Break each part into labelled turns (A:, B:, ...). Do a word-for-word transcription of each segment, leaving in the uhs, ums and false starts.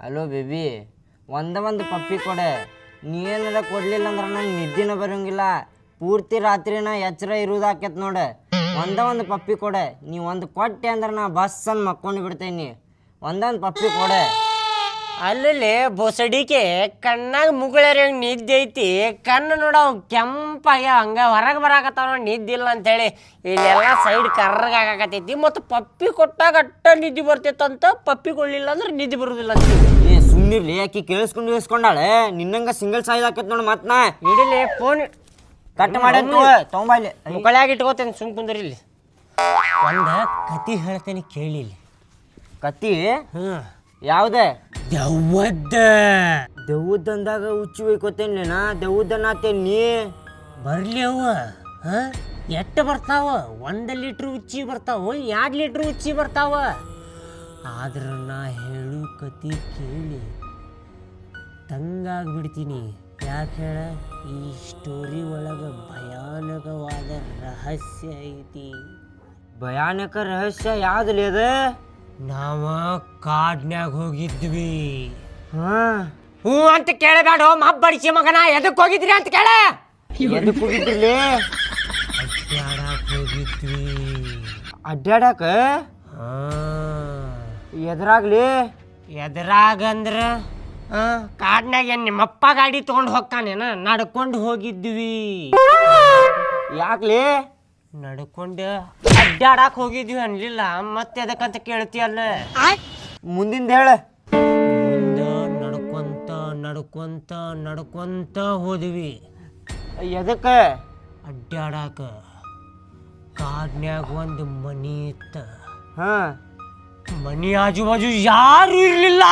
A: Hello baby, ಒಂದ ಒಂದು ಪಪ್ಪಿ ಕೊಡೆ. ನೀನಾರ ಕೊಡ್ಲಿಲ್ಲ ಅಂದ್ರೆ ನಂಗೆ ನಿದ್ದಿನ ಬರೋಂಗಿಲ್ಲ. ಪೂರ್ತಿ ರಾತ್ರಿನ ಎಚ್ಚರ ಇರುವುದಾಕೈತೆ ನೋಡು. ಒಂದ ಒಂದು ಪಪ್ಪಿ ಕೊಡೆ. ನೀವು ಒಂದು ಕೊಟ್ಟೆ ಅಂದ್ರೆ ನಾ ಬಸ್ ಅಂದು ಮಕ್ಕೊಂಡು ಬಿಡ್ತೇನೆ. ಒಂದೊಂದು ಪಪ್ಪಿ ಕೊಡೆ.
B: ಅಲ್ಲಿ ಬೊಸಡಿಕೆ ಕಣ್ಣಾಗ ಮುಗುಳರಿ ನಿದ್ದೆ ಐತಿ. ಕಣ್ಣು ನೋಡ ಕೆಂಪಾಗ್ಯ ಹಂಗ ಹೊರಗೆ ಬರಾಕತ್ತಾವ ನೋಡಿ ನಿದ್ದಿಲ್ಲ ಅಂತೇಳಿ. ಇಲ್ಲೆಲ್ಲ ಸೈಡ್ ಕರ್ರಗ ಆಗಾಕತ್ತೈತಿ. ಮತ್ತು ಪಪ್ಪಿ ಕೊಟ್ಟಾಗ ಅಟ್ಟ ನಿದ್ದೆ ಬರ್ತೈತಂತ, ಪಪ್ಪಿ ಕೊಡ್ಲಿಲ್ಲ ಅಂದ್ರೆ ನಿದ್ದೆ ಬರುದಿಲ್ಲ ಅಂತ.
A: ಏ ಸುಮ್ಮನಿರ್ಲಿ, ಆಕಿ ಕೇಳಿಸ್ಕೊಂಡು ಕೇಳಿಸ್ಕೊಂಡಾಳೆ. ನಿನ್ನಂಗ ಸಿಂಗಲ್ ಸಾಯ್ದು ಹಾಕೈತೆ ನೋಡಿ. ಮತ್ತೆ ನಾ
B: ಇಡಿಲಿ ಫೋನ್
A: ಕಟ್ ಮಾಡಿ ತೊಗೊಂಬಲ್ಲಿ
B: ಮುಕ್ಕಳ್ಯಾಗ ಇಟ್ಕೋತೇನೆ. ಸುಮ್ ಕುಂದ್ರಿ ಇಲ್ಲಿ. ಒಂದ ಕತಿ ಹೇಳ್ತೇನೆ ಕೇಳಿಲಿ.
A: ಕತ್ತಿ
B: ಹ್ಞೂ
A: ಯಾವುದೇ
B: ದೆವ್ವದ್ದ.
A: ದೆವ್ವದಂದಾಗ ಹುಚ್ಚು ಒಯ್ಕೋತೇನೆ ನಾ. ದೆವ್ವದನ್ನಾತೇನಿ
B: ಬರ್ಲಿ ಅವ. ಹಾಂ ಎಷ್ಟು ಬರ್ತಾವ? ಒಂದು ಲೀಟ್ರ್ ಉಚ್ಚಿ ಬರ್ತಾವ, ಎರಡು ಲೀಟ್ರ್ ಉಚ್ಚಿ ಬರ್ತಾವ. ಆದ್ರೆ ನಾ ಹೇಳು ಕತಿ ಕೇಳಿ ತಂಗಾಗ್ಬಿಡ್ತೀನಿ. ಯಾಕೆ ಹೇಳ? ಈ ಸ್ಟೋರಿ ಒಳಗೆ ಭಯಾನಕವಾದ ರಹಸ್ಯ ಐತಿ.
A: ಭಯಾನಕ ರಹಸ್ಯ ಯಾವ್ದಲ್ಲಿ ಅದ?
B: ನಾವ ಕಾಡ್ನ್ಯಾಗ ಹೋಗಿದ್ವಿ.
A: ಹಾ
B: ಹ್ಞೂ ಅಂತ ಕೇಳಬೇಡ ಮಬ್ಬಡಿಸಿ ಮಗನ. ಎದಕ್ಕೆ ಹೋಗಿದ್ರಿ ಅಂತ ಕೇಳ.
A: ಎದಕ್ಕೆ ಹೋಗಿದ್ರಲ್ಲಿ?
B: ಅಡ್ಡಾಡಕ್ ಹೋಗಿದ್ವಿ.
A: ಅಡ್ಡಾಡಕ?
B: ಹಾ
A: ಎದುರಾಗ್ಲಿ?
B: ಎದ್ರಾಗಂದ್ರ ಕಾಡ್ನಾಗ ಏನು ನಿಮ್ಮಪ್ಪ ಗಾಡಿ ತೊಗೊಂಡು ಹೋಗ್ತಾನೇನ? ನಡ್ಕೊಂಡು ಹೋಗಿದ್ವಿ.
A: ಯಾಕ್ಲಿ?
B: ನಡ್ಕೊಂಡು ಅಡ್ಡಾಡಕ್ ಹೋಗಿದ್ವಿ ಅನ್ಲಿಲ್ಲ. ಮತ್ತೆ ಎದಕ್ಕಂತ ಕೇಳ್ತೀಯಲ್ಲ.
A: ಮುಂದಿಂದ ಹೇಳ.
B: ಮುಂದ ನಡ್ಕೊಂತ ನಡ್ಕೊಂತ ನಡ್ಕೊಂತ ಹೋದ್ವಿ.
A: ಎದಕ್ಕ?
B: ಅಡ್ಡಾಡಕ. ಕಾಡ್ನ್ಯಾಗ ಒಂದು ಮನಿ ಇತ್ತ.
A: ಹಾ
B: ಮನಿ ಆಜು ಬಾಜು ಯಾರು ಇರ್ಲಿಲ್ಲ.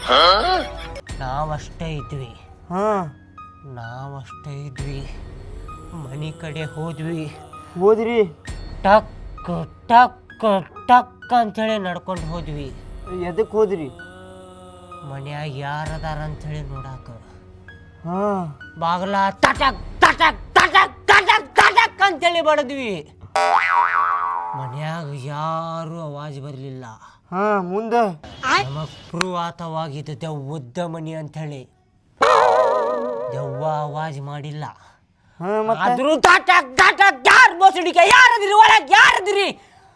B: ನಾವಷ್ಟೇ ಇದ್ವಿ.
A: ಹಾ
B: ನಾವಷ್ಟೇ ಇದ್ವಿ. ಮನಿ ಕಡೆ ಹೋದ್ವಿ.
A: ಹೋದ್ರಿ?
B: ಟಕ್ ಟಕ್ ಟಕ್ ಅಂತೇಳಿ ನಡ್ಕೊಂಡು ಹೋದ್ವಿ.
A: ಎದಕ್ಕೆ ಹೋದ್ರಿ?
B: ಮನ್ಯಾಗ ಯಾರದಾರ ಅಂಥೇಳಿ ನೋಡಾಕ.
A: ಹಾ
B: ಬಾಗಲ ತಟಕ್ ತಟಕ್ ತಟಕ್ ತಟಕ್ ತಟಕ್ ಅಂತೇಳಿ ಬಡದ್ವಿ. ಮನ್ಯಾಗ ಯಾರು ಅವಾಜ್ ಬರಲಿಲ್ಲ.
A: ಹಾ ಮುಂದೆ
B: ನಮಗ್ ಪುರುವಾತವಾಗಿದ್ದ ದೆವ್ವದ ಮನಿ ಅಂಥೇಳಿ. ದೆವ್ವ ಅವಾಜ್ ಮಾಡಿಲ್ಲ.
A: ಹಾ ಮತ್ತೆ
B: ಆದ್ರೂ ತಟಕ್ ತಟಕ್ ಯಾರು ಬೋಸಡಿಕೆ ಯಾರದಿರಿ ಒಳಗೆ ಯಾರದಿರಿ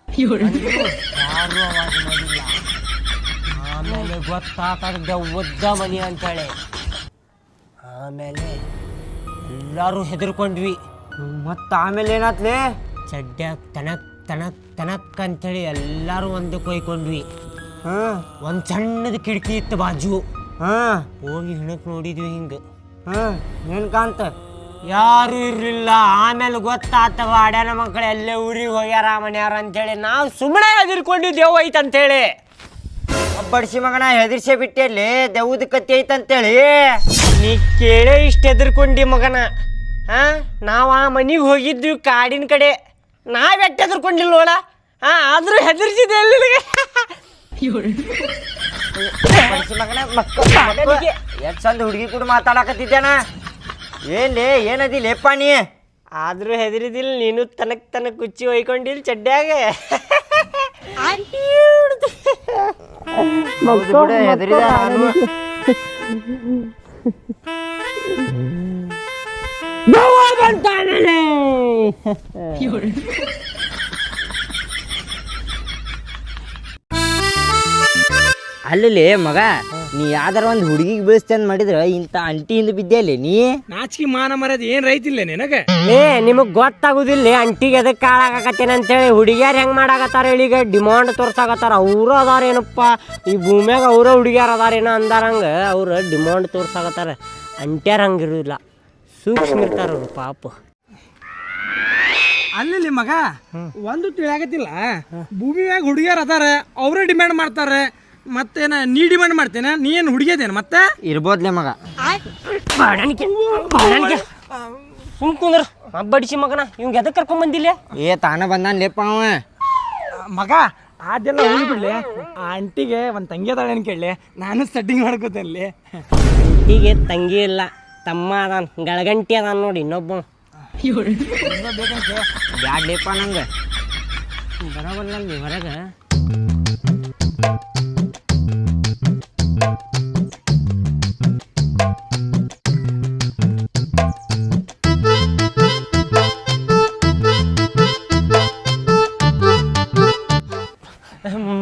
B: ಯಾರು ಅವಾಜ್ ಮಾಡಿಲ್ಲ. ಆಮೇಲೆ ಗೊತ್ತಾತದ ದೆವ್ವದ ಮನಿ ಅಂತೇಳಿ. ಆಮೇಲೆ ಎಲ್ಲರೂ ಹೆದರ್ಕೊಂಡ್ವಿ.
A: ಮತ್ತ ಆಮೇಲೆ ಏನಾತ್ಲಿ?
B: ಚಡ್ಡ್ಯಾಗ ತನಕ್ ತನಕ್ ತನಕ್ ಅಂತೇಳಿ ಎಲ್ಲರೂ ಒಂದು ಕೊಯ್ಕೊಂಡ್ವಿ.
A: ಹಾ
B: ಒಂದು ಸಣ್ಣದ ಕಿಟಕಿ ಇತ್ತು ಬಾಜು.
A: ಹಾ
B: ಹೋಗಿ ಹಿಣಕ್ ನೋಡಿದ್ವಿ. ಹಿಂಗೆ
A: ಹಾ ಏನ್ ಕಾಂತ?
B: ಯಾರು ಇರ್ಲಿಲ್ಲ. ಆಮೇಲೆ ಗೊತ್ತಾತವ ಅಡ್ಯಾನ ಮಕ್ಕಳು ಎಲ್ಲೇ ಊರಿಗೆ ಹೋಗ್ಯಾರ ಮನ್ಯಾರ ಅಂತೇಳಿ. ನಾವು ಸುಮ್ಮನೆ ಹೆದರ್ಕೊಂಡಿದ್ದೇವು ಐತಂತೇಳಿ.
A: ಬಡ್ಸಿ ಮಗನ ಹೆದರ್ಸೇ ಬಿಟ್ಟೆಲ್ಲಿ ದೆವ್ವದ ಕತ್ತಿ ಐತಂತೇಳಿ.
B: ನೀ ಕೇಳೇ ಇಷ್ಟು ಹೆದರ್ಕೊಂಡಿ ಮಗನ. ಹಾ ನಾವು ಆ ಮನೆಗೆ ಹೋಗಿದ್ವಿ ಕಾಡಿನ ಕಡೆ. ನಾವೆಟ್ಟು ಹೆದರ್ಕೊಂಡಿಲ್ಲ ನೋಡ. ಹಾ ಆದ್ರೂ ಹೆದರ್ಸಿದೆ ಎಲ್ಲಿ.
A: ಬಡ್ಸಿ ಮಗನ ಮಕ್ಕಳು ಎಷ್ಟು ಚಂದ ಹುಡುಗಿ ಕೂಡ ಮಾತಾಡಕತ್ತಿದ್ದೇನ. ಏನ್ಲಿ ಏನದಿ ಲೇಪ್ಪ ನೀ?
B: ಆದ್ರೂ ಹೆದರಿದಿಲ್ಲ ನೀನು. ತನಕ್ ತನಕ್ ಕುಚ್ಚಿ ಒಯ್ಕೊಂಡಿಲ್ಲ ಚಡ್ಡ್ಯಾಗ.
A: ಹೆದರಿದ ನಾನು. ಅಲ್ಲಿ ಮಗ, ನೀ ಯಾವ್ದಾರ ಒಂದು ಹುಡುಗಿಗೆ ಬೀಳಿಸ್ತೇನೆ ಮಾಡಿದ್ರ ಇಂಥ ಅಂಟಿಯಿಂದ ಬಿದ್ದೆ ನೀ.
C: ನಾಚಿಕೆ ಮಾನ ಮರ್ಯಾದೆ ಏನ್ ರೈತಿಲ್ಲ ನಿನಗೆ?
B: ಏ ನಿಮಗ್ ಗೊತ್ತಾಗುದಿಲ್ಲ ಅಂಟಿಗೆ ಎದಕ್ ಕಾಳಾಗತ್ತೇನ ಅಂತೇಳಿ. ಹುಡುಗಿಯಾರು ಹೆಂಗ್ ಮಾಡಾಕತ್ತಾರ ಹೇಳೀಗ? ಡಿಮಾಂಡ್ ತೋರ್ಸಾಕತ್ತಾರ. ಅವರು ಅದಾರೇನಪ್ಪ ಈ ಭೂಮ್ಯಾಗ, ಅವ್ರ ಹುಡುಗಿಯಾರ ಅದಾರೇನೋ ಅಂದಾರಂಗ ಅವ್ರ ಡಿಮಾಂಡ್ ತೋರ್ಸಾಕತ್ತಾರ. ಅಂಟ್ಯಾರ ಹಂಗಿರುದಿಲ್ಲ, ಸೂಕ್ಷ್ಮ ಇರ್ತಾರ ಅವ್ರು ಪಾಪ.
C: ಅಲ್ಲಿ ಮಗ ಒಂದು ತಿಳಿಯಾಗತ್ತಿಲ್ಲ. ಭೂಮಿ ಮ್ಯಾಗ ಹುಡುಗಿಯರ್ ಅದಾರ, ಅವರೇ ಡಿಮ್ಯಾಂಡ್ ಮಾಡ್ತಾರೆ. ಮತ್ತೇನ ನೀ ಡಿಮ್ಯಾಂಡ್ ಮಾಡ್ತೇನ? ನೀ ಏನು ಹುಡುಗಿಯದೇನ ಮತ್ತೆ?
A: ಇರ್ಬೋದ್ಲೆ ಮಗ.
B: ಸುಮ್ ಕುಂದ್ರ ಹಬ್ಬಡಿಸಿ ಮಗನ. ಇವಂಗ ಎದಕ್ ಕರ್ಕೊಂಡ್ ಬಂದಿಲ್ಲ?
A: ಏ ತಾನ ಬಂದಾನ ಲೇಪ್ಪ ಅವ.
C: ಮಗ ಅದೆಲ್ಲ ಹೋಗಿ ಬಿಡ್ಲಿ. ಆ ಅಂಟಿಗೆ ಒಂದು ತಂಗಿ ಅದಾಳೇನು ಕೇಳಲಿ, ನಾನು ಸೆಟ್ಟಿಂಗ್ ಮಾಡ್ಕೋತೇನೆ.
B: ಅಂಟಿಗೆ ತಂಗಿ ಇಲ್ಲ, ತಮ್ಮ ಅದಾನ, ಗಳಗಂಟಿ ಅದಾನ ನೋಡಿ ಇನ್ನೊಬ್ಬ.
A: ಬ್ಯಾಡ್ ಲೇಪ್ಪ ನಂಗೆ.
B: ಬರೋಬಲ್ಲ ಹೊರಗೆ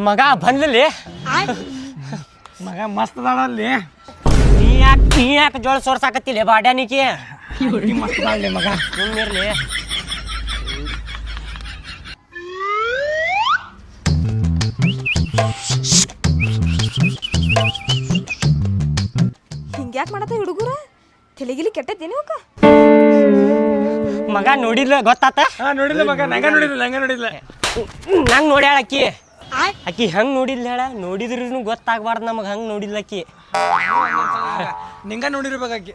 B: ಮಗ ಬಂದ್ಲಿ
C: ಮಗ ಮಸ್ತ್ ಅದಾಳಲ್ಲಿ
B: ನೀ ಯಾಕೆ ನೀ ಯಾಕೆ ಜೋಳ ಸೋರ್ಸಾಕತ್ತಿಲ್ಲ ಬಾಡ್ಯಾನಿಕೆ
C: ಮಸ್ತ್ ಅದಾಳಲ್ಲಿ ಮಗ
B: ಸುಮ್ಮಿರ್ಲಿ
D: ಹಿಂಗ್ಯಾಕ್ ಮಾಡತ್ತ ಹುಡುಗರ ತಲೆಗಿಲಿ ಕೆಟ್ಟೈತೇನಿ ಅವಕ್ಕ
B: ಮಗ ನೋಡಿಲ್ಲ ಗೊತ್ತಾತ
C: ಹಾ ನೋಡಿಲ್ಲ ಮಗ ನಂಗ ನೋಡಿಲ್ಲ ನಂಗ ನೋಡಿಲ್ಲ
B: ನಂಗೆ ನೋಡ್ಯಾಳ ಅಕ್ಕಿ ಅಕ್ಕಿ ಹಂಗೆ ನೋಡಿಲ್ಲ ಹೇಳ ನೋಡಿದ್ರೂ ಗೊತ್ತಾಗ್ಬಾರ್ದು ನಮಗೆ ಹಂಗೆ ನೋಡಿಲ್ಲ ಅಕ್ಕಿ
C: ನಿಂಗ ನೋಡಿರ್ಬೇಕಾಕಿ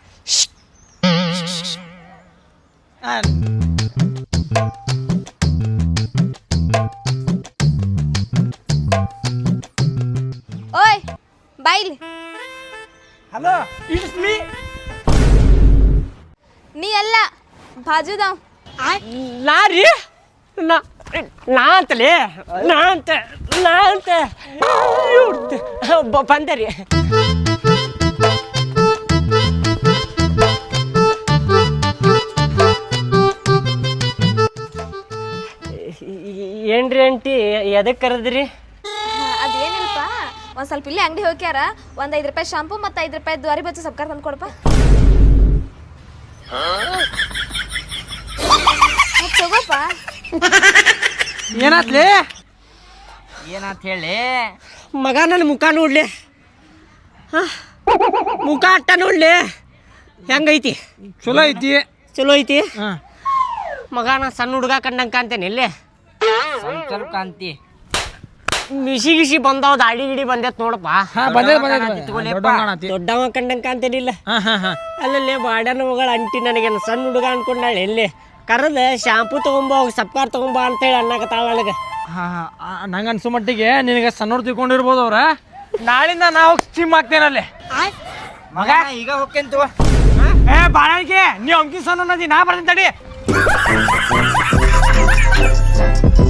D: ಓಯ್ ಬಾಯ್ಲಿ
C: ಹಲೋ ಇಟ್ಸ್ ಮೀ
D: ನೀ ಅಲ್ಲ ಬಾಜುದಾವ್
B: ನಾ ರೀ ನಾ ನಾ ಅಂತಲೇ ನಾ ಅಂತ ನಾ ಅಂತ ಬ- ಬಂದೆ ರೀ ಏನ್ರಿ ಆಂಟಿ ಎದಕ್ಕೆ ಕರೆದ್ರಿ
D: ಅದೇನಿಲ್ಪ ಒಂದ್ ಸ್ವಲ್ಪ ಇಲ್ಲಿ ಅಂಗಡಿ ಹೋಗ್ಯಾರ ಒಂದ್ ಐದು ರೂಪಾಯಿ ಶಾಂಪು ಮತ್ತೆ ಐದು ರೂಪಾಯಿ ದ್ವಾರಿ ಬಚ್ಚು ಸಬ್ಕಾರ ತಂದು ಕೊಡಪ್ಪ ಮತ್ತ್ ತಗೋಪ್ಪ
C: ಏನಾತ್ಲಿ
A: ಏನಂತ ಹೇಳಿ
B: ಮಗ ನನ್ನ ಮುಖ ನೋಡ್ಲಿ ಹಾ ಮುಖ ಅಟ್ಟ ನೋಡ್ಲಿ ಹೆಂಗೈತಿ
C: ಚಲೋ ಐತಿ
B: ಚಲೋ ಐತಿ
C: ಹಾ
B: ಮಗ ನಾ ಸಣ್ಣ ಹುಡುಗ ಕಂಡಂಗೆ ಕಾಣ್ತೇನೆ ಇಲ್ಲೇ
A: ಸ್ವಲ್ಪ ಸ್ವಲ್ಪ ಕಾಂತಿ
B: ಮಿಸಿ ಗಿಸಿ ಬಂದಾವ ದಾಡಿ ಗಿಡಿ ಬಂದೈತ್ ನೋಡಪ್ಪ
C: ಹಾ ಬಂದೆ ಬಂದೆ
A: ತಗೊಳ್ಳಿಪ್ಪ.
C: ದೊಡ್ಡ ಕಾಣತಿ
B: ದೊಡ್ಡವ ಕಂಡಂಗೆ ಕಾಣ್ತೇನಿಲ್ಲ
C: ಹಾ ಹಾ ಹಾ
B: ಅಲ್ಲಲ್ಲೇ ಬಾಡ್ಯಾನ ಮಗಳು ಅಂಟಿ ನನಗೇನು ಸಣ್ಣ ಹುಡುಗ ಅನ್ಕೊಂಡಾಳೆ ಎಲ್ಲಿ ಕರೆದ ಶಾಂಪೂ ತಗೊಂಬ ಸಪ್ಕಾರ್ ತಗೊಂಬ ಅಂತೇಳಿ ಅನ್ನಕತ್ತಾಳ ನನಗೆ
C: ಹಾ ಹಾ ನಂಗೆ ಅನ್ಸೋ ಮಟ್ಟಿಗೆ ನಿನಗೆ ಸಣ್ಣವ್ರು ತಿಳ್ಕೊಂಡಿರ್ಬೋದು ಅವ್ರ ನಾಳಿಂದ ನಾವು ಸಿಮ್ ಹಾಕ್ತೇನಲ್ಲಿ
A: ಮಗ ಈಗ ಹೋಗ್ಕಂತು
C: ಏ ಬಾಳಕ್ಕೆ ನೀ ಅಂಕಿ ಸಣ್ಣ ನಾ ಬರ್ತೀನಿ ತಡಿ